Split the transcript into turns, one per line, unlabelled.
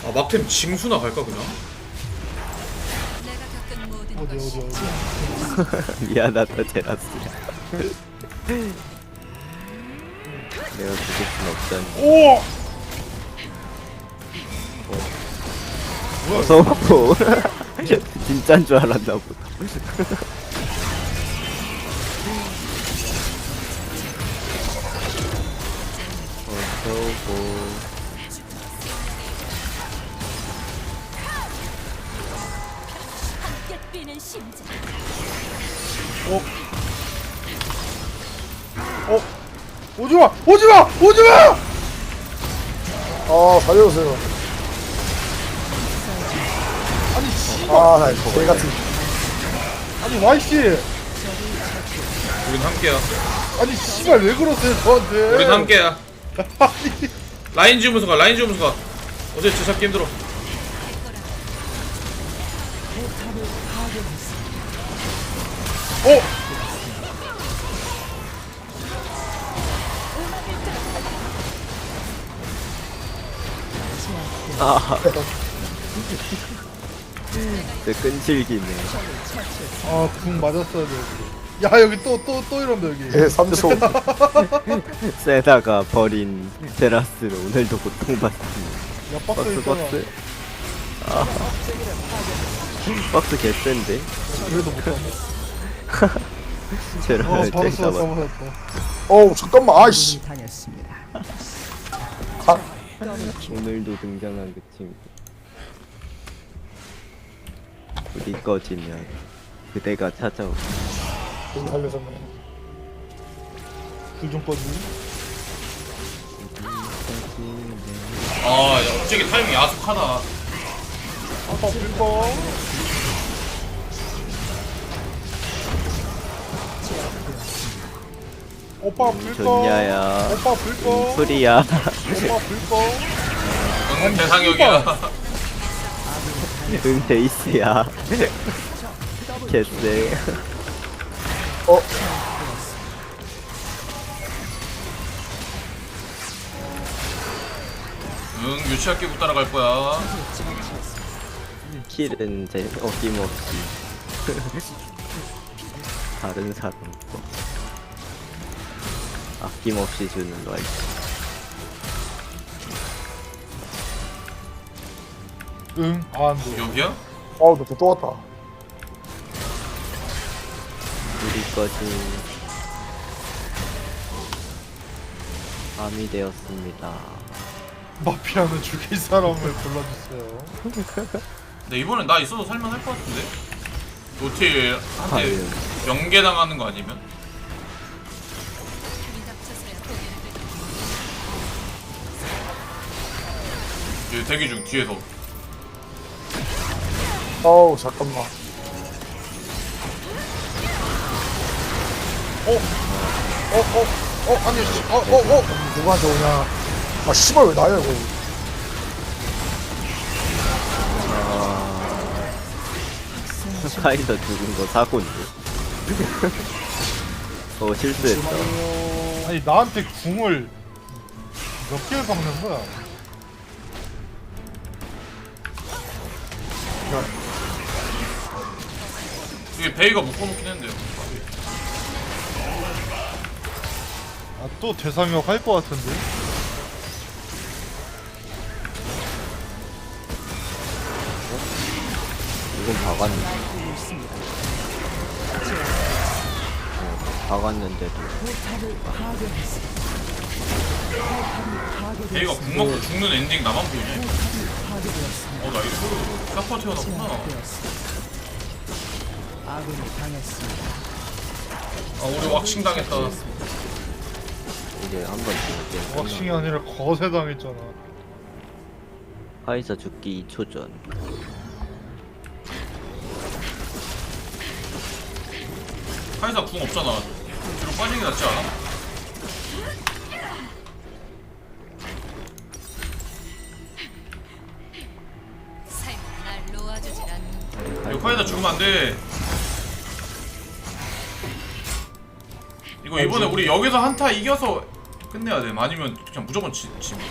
아 막템 징수나 갈까 그냥?
어디
미안하다 제라스야. 내가 죽일 순 없잖니.
오!
어서오고. 진짠 줄 알았나 보다. 어서오고.
오지마! 오지마! 오지마!
아 살려주세요.
아니 씨발
아나 개같은.
아니 와이씨
우린 함께야.
아니 씨발 왜 그러세요 저한테
우린 함께야.
아니
라인 지우면서 가. 라인 지우면서 가. 어제 저 잡기 힘들어.
어?
아. 내 끈질기네.
아궁 맞았어야 돼 여기 야 여기 또 이런다 여기
개 3초.
세다가 버린 제라스는 오늘도 고통받습니다.
야 박스
박스
있잖아
박스. 아. 박스 개센데.
그래도 못하네
제라스
바로
쨍
쏘았다
잡아.
맞았다
어우 잠깐만 아이씨. 아
오늘도 등장한 그 친구. 불이 꺼지면 그대가 찾아오.
좀 살려줬네.
불좀 꺼지
아, 야, 갑자기 타이밍 야속하다.
아빠 불꺼 오빠 불꺼
좋냐야.
오빠 불꺼
소리야.
오빠 불꺼
응, 대상역이야.
응 데이스야. 개쎄.
어
응, 유치학 끼고 따라갈 거야.
킬은 제 어김없이 다른 사람 거 아낌없이 주는 라이트.
응 안돼
여기야?
아우 너또 왔다.
우리 거지. 밤이 되었습니다.
마피아는 죽일 사람을 골라주세요
근데 이번엔 나 있어도 살만할 것 같은데? 노틸 한테 명계 당하는 거 아니면? 얘 대기 중 뒤에서.
아우 잠깐만.
아니
누구한테 오냐. 아 씨발 왜 나야 이거.
카이더 죽은 거 사고인데. 실수했다.
아니 나한테 궁을 몇 개를 박는 거야
이게 베이가 묶어놓긴 했는데요.
아 또 대상역 할 것 같은데
이건 박았는데. 박았는데도.
베이가 궁 먹고 죽는 엔딩 나만 보이네. 나 이거 사퍼 태어났구나. 아, 우리 왁싱 당했다.
이제 한번 죽을게.
왁싱이 아니라 거세 당했잖아
카이사 죽기 2초 전.
카이사 궁 없잖아. 뒤로 빠지는 게 낫지 않아? 이거 카이사 죽으면 안 돼. 이거 이번에 우리 여기서 한타 이겨서 끝내야 돼. 아니면 그냥 무조건 지.